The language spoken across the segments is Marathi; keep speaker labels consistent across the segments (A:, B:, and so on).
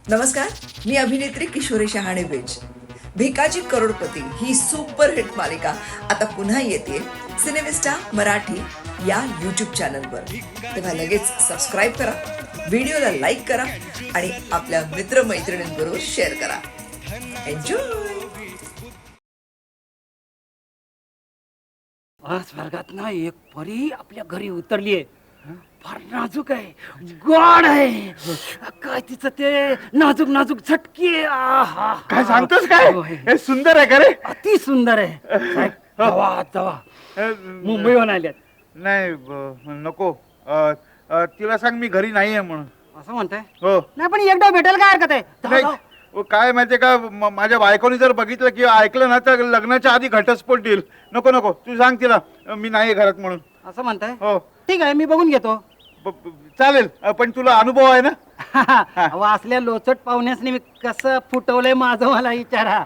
A: नमस्कार, मी अभिनेत्री किशोरी शहाणे बेज. भिकाजी करोडपती ही सुपरहिट मालिका आता पुन्हा येते सिनेमिस्टा मराठी या यूट्यूब चॅनलवर. तेव्हा लगेच सबस्क्राईब करा, व्हिडिओला लाईक करा आणि आपल्या मित्रमैत्रिणींबरोबर शेअर करा. एन्जॉय.
B: आज स्वर्गात ना एक परी आपल्या घरी उतरली आहे. फार नाजूक आहे, गोड आहे. काय तिचं ते नाजूक नाजूक झटकी आहे. आहा.
C: काय सांगतोस काय?
B: होय.
C: हे सुंदर आहे का रे?
B: अति सुंदर आहे. साहेब, जावा जावा. मुंबईहून आल्यात
C: नाही नको. तिला सांग मी घरी नाही आहे म्हणून.
B: असं म्हणताय?
C: हो.
B: नाही पण एकदा भेटायला काय हरकत आहे? जावा,
C: नाही
B: जावा.
C: काय माहितीये का, माझ्या बायकोनी जर बघितलं किंवा ऐकलं ना तर लग्नाच्या आधी घटस्फोट देईल. नको नको, तू सांग तिला मी नाही आहे घरात म्हणून.
B: असं म्हणताय?
C: हो
B: ठीक आहे, मी बघून घेतो.
C: चालेल. पण तुला अनुभव आहे ना?
B: अहो, असल्या लोचट पाहुण्यासनी मी कसं फुटवलंय माझं मला विचारा.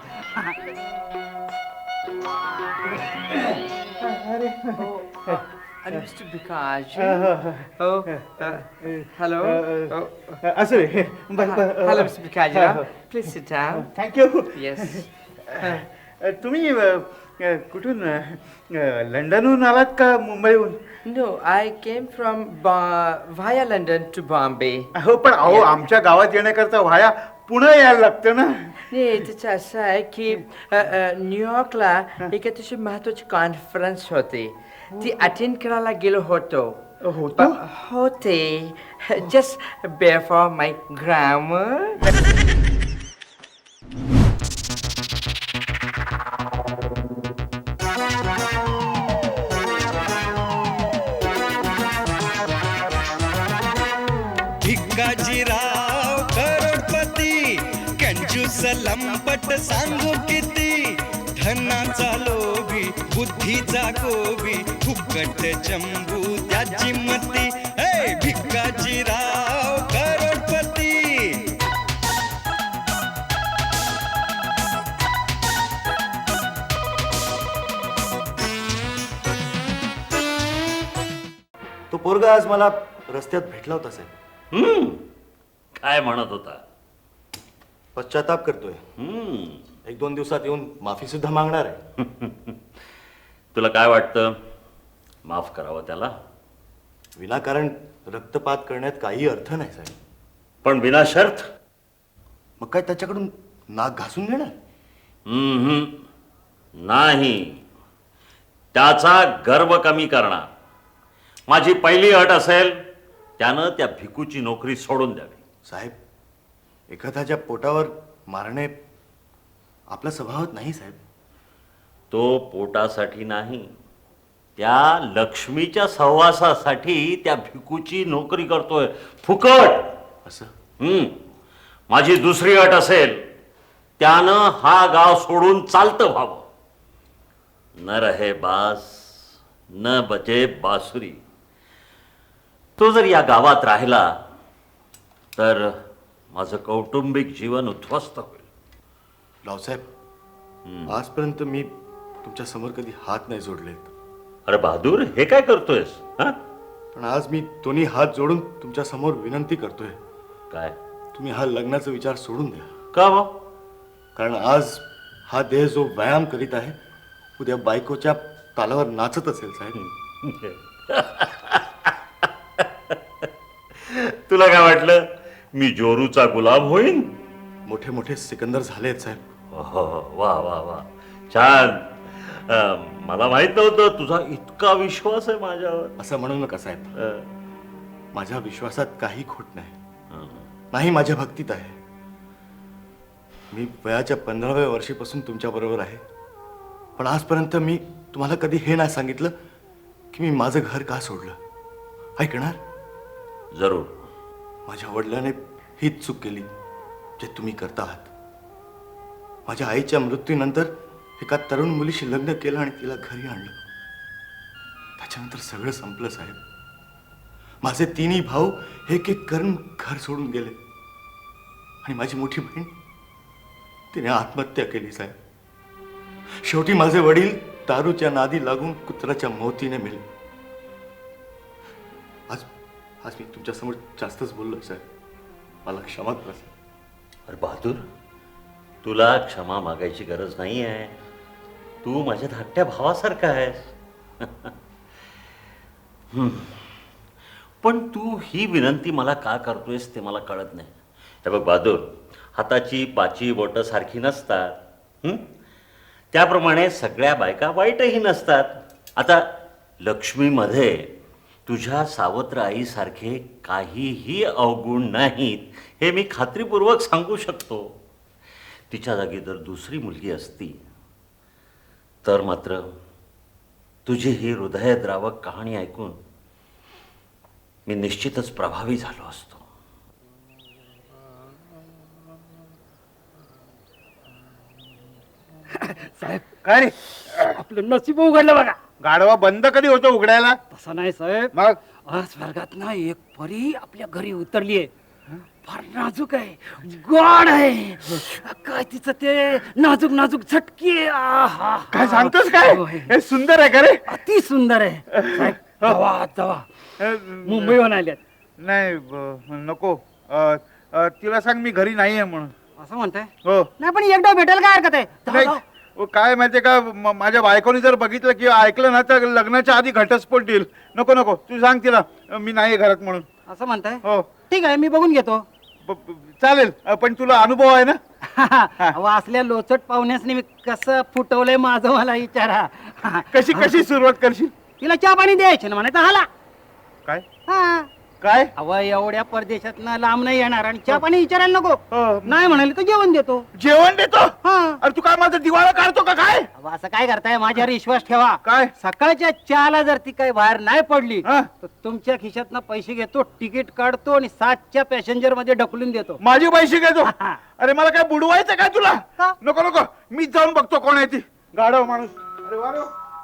D: And Mr. Bikaj. Oh, hello.
C: असं रे.
D: Hello, Mr. Bikaj. Please sit down.
C: Thank you.
D: Yes.
C: तुम्ही कुठून लंडनहून आलात का मुंबईहून?
D: No, I came from via London to Bombay.
C: हो पण अहो आमच्या गावात येण्याकरता व्हाया पुणे यायला लागतं ना.
D: नाही त्याचं असं आहे की न्यूयॉर्कला एक अतिशय महत्वाची कॉन्फरन्स होती. ती अटेंड करायला गेलो होतो.
C: होतो?
D: होते. Just bear for my grammar.
E: Bhikajirao Crorepati कंजूस लंपट सांगू किती धनाचा लोभी बुद्धीचा गोबी फुकट चंबू त्याची मती हे भिकाजीराव करोडपती.
F: तो पोरगा आज मला रस्त्यात भेटला होता साहेब.
G: काय म्हणत होता?
F: पश्चाताप करतोय. 1-2 दिवसात येऊन माफी सुद्धा मागणार आहे.
G: तुला काय वाटतं, माफ करावं त्याला?
F: विनाकारण रक्तपात करण्यात काही अर्थ नाही साहेब.
G: पण विना शर्त?
F: मग काय त्याच्याकडून नाक घासून घेणार?
G: नाही, त्याचा गर्व कमी करणार. माझी पहिली अट असेल, त्यानं त्या भिकूची नोकरी सोडून द्यावी.
F: साहेब, एखाद्याच्या पोटावर मारणे आपल्या स्वभावात नाही साहेब.
G: तो पोटासाठी नाही, त्या लक्ष्मीच्या सहवासासाठी त्या भिकूची नोकरी करतोय फुकट.
F: असं
G: माझी दुसरी अट असेल, त्यानं हा गाव सोडून चालतं व्हावं. न रहे बास न बजे बासुरी. तो जर या गावात राहिला तर माझं कौटुंबिक जीवन उद्ध्वस्त होईल.
F: रावसाहेब, आजपर्यंत मी तुमच्या समोर कधी हात नाही जोडलेत.
G: अरे बहादूर, हे काय करतोयस? हा?
F: पण आज मी दोन्ही हात जोडून तुमच्या समोर विनंती करतोय,
G: काय?
F: तुम्ही हा लग्नाचा विचार सोडून द्या.
G: का बा?
F: कारण आज हा देह जो व्यायाम करीत आहे, उद्या बायकोच्या तालावर नाचत असेल साहेब.
G: तुला काय वाटलं मी जोरूचा गुलाम होईन?
F: मोठे मोठे सिकंदर झालेत साहेब.
G: वा वा वा, छान. मला माहित नव्हतं तुझा इतका विश्वास आहे माझ्यावर.
F: असं म्हणू नका साहेब.
G: अ,
F: माझ्या विश्वासात काही खोट नाही, नाही माझ्या भक्तीत आहे. मी वयाच्या 15व्या वर्षीपासून तुमच्या बरोबर आहे. पण आजपर्यंत मी तुम्हाला कधी हे नाही सांगितलं की मी माझं घर का सोडलं. ऐकणार?
G: जरूर.
F: माझ्या वडिलांनी हीच चूक केली जे तुम्ही करता आहात. माझ्या आईच्या मृत्यूनंतर एका तरुण मुलीशी लग्न केलं आणि तिला घरी आणलं. त्याच्यानंतर सगळं संपलं साहेब. माझे तिन्ही भाऊ एक एक करून घर सोडून गेले आणि माझी मोठी बहीण तिने आत्महत्या केली साहेब. शेवटी माझे वडील दारूच्या नादी लागून कुत्राच्या मोतीने मेले. आज आज मी तुमच्यासमोर जास्तच बोललो साहेब, मला क्षमा करा साहेब.
G: अरे बहादूर, तुला क्षमा मागायची गरज नाही आहे. तू माझ्या धाकट्या भावासारखा आहेस. पण तू ही विनंती मला का करतोयस ते मला कळत नाही. हे बघ बहादूर, हाताची पाची बोटं सारखी नसतात. त्याप्रमाणे सगळ्या बायका वाईटही नसतात. आता लक्ष्मीमध्ये तुझ्या सावत्र आईसारखे काहीही अवगुण नाहीत हे मी खात्रीपूर्वक सांगू शकतो. तिच्या जागी जर दुसरी मुलगी असती तर मात्र तुझी ही हृदयद्रावक कहाणी ऐकून मी निश्चितच प्रभावी झालो असतो.
B: साहेब,
C: काय रे,
B: आपलं नशीब उघडलं बघा.
C: गाडवा बंद कधी होतो उघडायला?
B: तसं नाही साहेब,
C: मग
B: आज स्वर्गात ना एक परी आपल्या घरी उतरलीये. फार नाजूक आहे, गोड आहे. काय तिचं ते नाजूक नाजूक झटकी आहे. आहा.
C: काय सांगतोस काय?
B: होय.
C: हे सुंदर आहे का रे?
B: अति सुंदर आहे साहेब. जावा जावा, मुंबईहून आल्यात.
C: नाही नको. तिला सांग मी घरी नाही आहे म्हणून.
B: असं म्हणताय?
C: हो.
B: नाही पण एकदा भेटायला काय हरकत आहे? जावा,
C: नाही,
B: जावा.
C: काय माहितीये का, माझ्या बायकोनी जर बघितलं किंवा ऐकलं ना तर लग्नाच्या आधी घटस्फोट देईल. नको नको, तू सांग तिला मी नाही आहे घरात म्हणून.
B: असं म्हणताय?
C: हो.
B: ठीक आहे, मी बघून घेतो.
C: चालेल, पण तुला अनुभव आहे ना?
B: अहो, असल्या लोचट पाहुण्यासनी मी कसं फुटवलंय माझं मला विचारा.
C: कशी कशी सुरुवात करशील?
B: तिला चहा पाणी द्यायचे ना म्हणायचं हाला.
C: काय
B: हा.
C: काय?
B: अव एवढ्या परदेशात लांब नाही येणार आणि चहा पाणी विचारायला नको.
C: हो.
B: नाही म्हणाले तर जेवण देतो.
C: जेवण देतो?
B: हा.
C: अरे तू काय माझा दिवाळा काढतो का काय?
B: अहो, असं काय करताय? माझ्यावर विश्वास ठेवा.
C: काय?
B: सकाळच्या चहाला जर ती काही बाहेर नाही पडली
C: हा.
B: तर तुमच्या खिशातनं पैसे घेतो, तिकीट काढतो आणि 7च्या पॅसेंजर मध्ये ढकलून देतो.
C: माझे पैसे घेतो?
B: हा.
C: अरे मला काय बुडवायचं काय तुला?
B: का?
C: नको नको, मीच जाऊन बघतो कोण आहे ती. गाढव माणूस. अरे वा रे.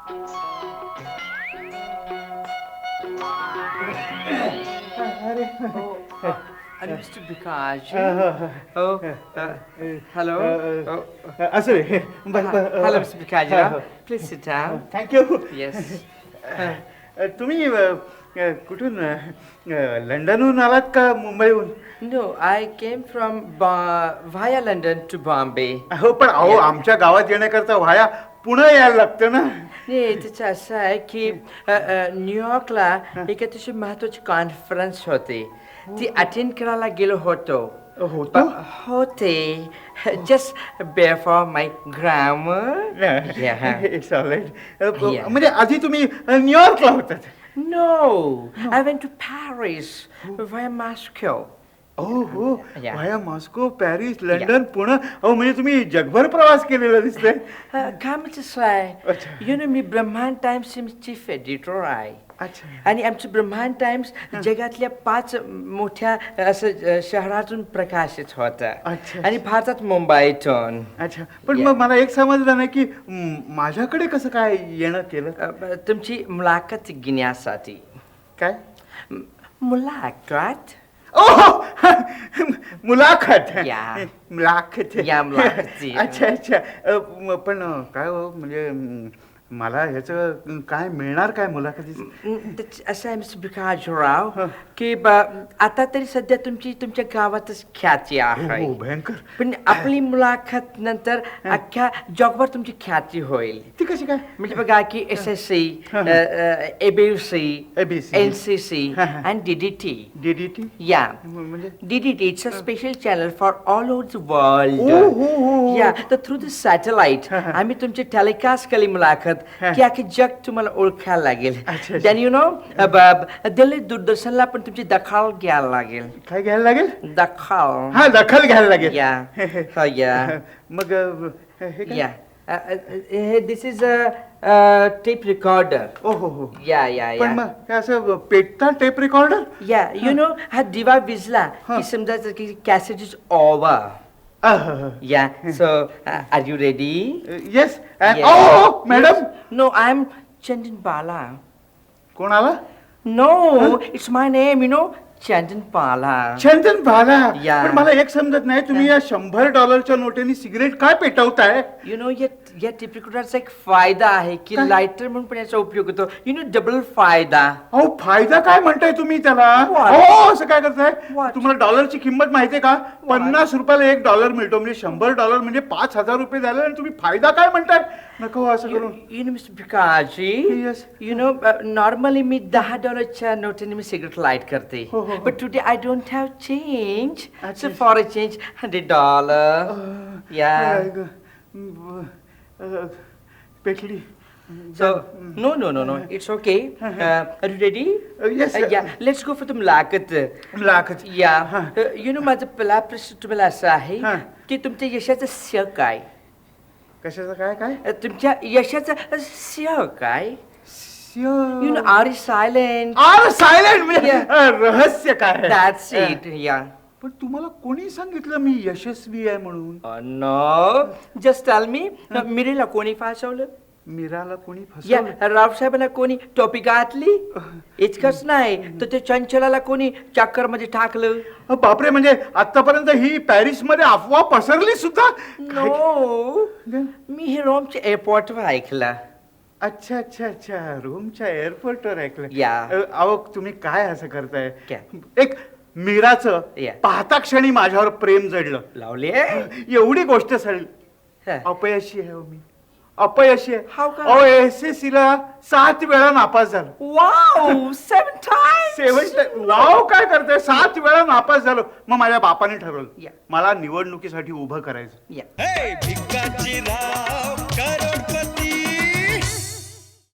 D: And Mr. Bikaj. Oh, hello. Oh,
C: असं रे.
D: hello, Mr. Bikaj. Please sit down.
C: Thank you.
D: Yes.
C: तुम्ही कुठून, लंडनहून आलात का मुंबईहून?
D: No, I came from via London to Bombay.
C: हो, पण अहो आमच्या गावात येण्याकरता व्हाया पुणे यायला लागतं ना.
D: नाही, त्याचं असं आहे की न्यूयॉर्कला एक अतिशय महत्वाची कॉन्फरन्स होती. ती अटेंड करायला गेलो होतो. होते. Just bear for my grammar.
C: It's alright.
D: Yeah.
C: म्हणजे आधी तुम्ही न्यूयॉर्कला होतात?
D: No, I went to Paris via Moscow.
C: हो हो.
D: Yeah.
C: Via Moscow, Paris, London, Pune. अहो म्हणजे तुम्ही जगभर प्रवास केलेला दिसतंय.
D: कामाचं आहे.
C: अच्छा.
D: यु नो, मी ब्रह्मांड टाइम्सचे चीफ एडिटर आहे.
C: अच्छा.
D: आणि आमचं ब्रह्मांड टाइम्स जगातल्या 5 मोठ्या असं शहरातून प्रकाशित होतं.
C: अच्छा.
D: आणि भारतात मुंबईतून.
C: अच्छा, पण
D: Yeah.
C: मग मला एक समजलं नाही की माझ्याकडे कसं काय येणं केलं?
D: तुमची मुलाखत घेण्यासाठी.
C: काय?
D: मुलाखत.
C: ओह, मुलाखत.
D: Yeah.
C: मुलाखत.
D: Yeah, मुलाखत.
C: अच्छा अच्छा. पण काय हो, म्हणजे मला ह्याचं काय मिळणार काय मुलाखतीचं?
D: असं आहे मिस्टर भिकाजीराव की आता तरी सध्या तुमच्या गावातच ख्याती आहे.
C: हो, भयंकर.
D: पण आपली मुलाखत नंतर अख्ख्या जगभर तुमची ख्याती होईल.
C: ती कशी काय?
D: म्हणजे बघा की SSC, ABC,
C: ABC.
D: NCC and DDT.
C: DDT?
D: Yeah.
C: म्हणजे
D: DDT, it's a special channel for all over the world.
C: Oh.
D: Yeah, तर through the satellite आम्ही तुमची टेलिकास्ट केली मुलाखत की अख्खे जग तुम्हाला ओळखायला लागेल.
C: अच्छा.
D: देन यु नो, दिल्ली दूरदर्शनला पण तुमची दखल घ्यायला लागेल.
C: काय घ्यायला लागेल?
D: दखल.
C: हा, दखल घ्यायला लागेल.
D: या या
C: मग हे काय?
D: Yeah this is a tape recorder.
C: ओ हो हो.
D: या या
C: पण
D: या
C: मग हे असं पेटता tape recorder?
D: Yeah you know, हा दिवा विजला की समजायचं की cassette is over. Yeah so are you ready?
C: Yes.
D: Yes.
C: Oh madam.
D: No, I'm Chandan Bala.
C: कोण आला?
D: No, it's my name, you know, Chandan Bala.
C: चंदन भाला.
D: Yeah.
C: पण मला एक समजत नाही, तुम्ही या $100 नोटेनी सिगरेट काय पेटवताय?
D: You know, या टिप रेकॉर्डरचा एक फायदा आहे की
C: काय?
D: लायटर म्हणून पण याचा उपयोग होतो. You know, डबल फायदा.
C: अहो फायदा काय म्हणताय तुम्ही त्याला?
D: What?
C: हो, असं काय करताय?
D: What?
C: तुम्हाला डॉलरची किंमत माहितीये का? 50 रुपयाला $1 मिळतो, म्हणजे $100 म्हणजे $5,000 झाले आणि तुम्ही फायदा काय म्हणताय? नको असं करून.
D: You know, Mr. Bikaji,
C: Yes.
D: you know, normally मी $10 नोटेने मी सिगरेट लाईट करते.
C: हो, हो, हो.
D: But today I don't have change.
C: अच्छा.
D: So for a change, $100. Yeah.
C: पेटली.
D: So, no. It's okay. Are you ready?
C: Yes.
D: Yeah. Let's go for the मुलाखत.
C: लाखच.
D: Yeah. You know, माझा पहिला प्रश्न तुम्हाला असा आहे
C: हा.
D: की तुमच्या यशाचं श्रेय काय?
C: कशाचं काय?
D: तुमच्या यशाचं श्रेय काय? You know, are you silent?
C: Silent म्हणजे
D: Yeah.
C: रहस्य काय?
D: That's it. Yeah.
C: पण तुम्हाला कोणी सांगितलं मी यशस्वी आहे म्हणून?
D: No. Just tell me. मिरीला कोणी फासवलं?
C: मीराला कोणी
D: या
C: फसवलं?
D: रावसाहेबांना कोणी टोपी घातली? इतकंच नाही तर ते चंचलाला कोणी चक्कर मध्ये टाकलं?
C: बापरे, म्हणजे आतापर्यंत ही पॅरिस मध्ये अफवा पसरली सुद्धा?
D: नो. मी हे रोमच्या एअरपोर्टवर ऐकलं.
C: अच्छा, रोमच्या एअरपोर्टवर ऐकलं.
D: Yeah.
C: अहो तुम्ही काय असं करताय?
D: क्या?
C: एक मीराचं
D: Yeah.
C: पाहता क्षणी माझ्यावर प्रेम जडलं.
D: लावले?
C: एवढी गोष्ट सडली.
D: हा.
C: अपयशी आहे हो मी, अपयशी आहे.
D: How come?
C: अहो SSC ला 7 वेळा नापास झालो.
D: Wow, 7 times.
C: वाव, काय करताय? 7 वेळा नापास झालो. मग माझ्या बापाने ठरवलं
D: Yeah.
C: मला निवडणुकीसाठी उभं करायचं.
D: Yeah.
E: हे भिकाजी राव कर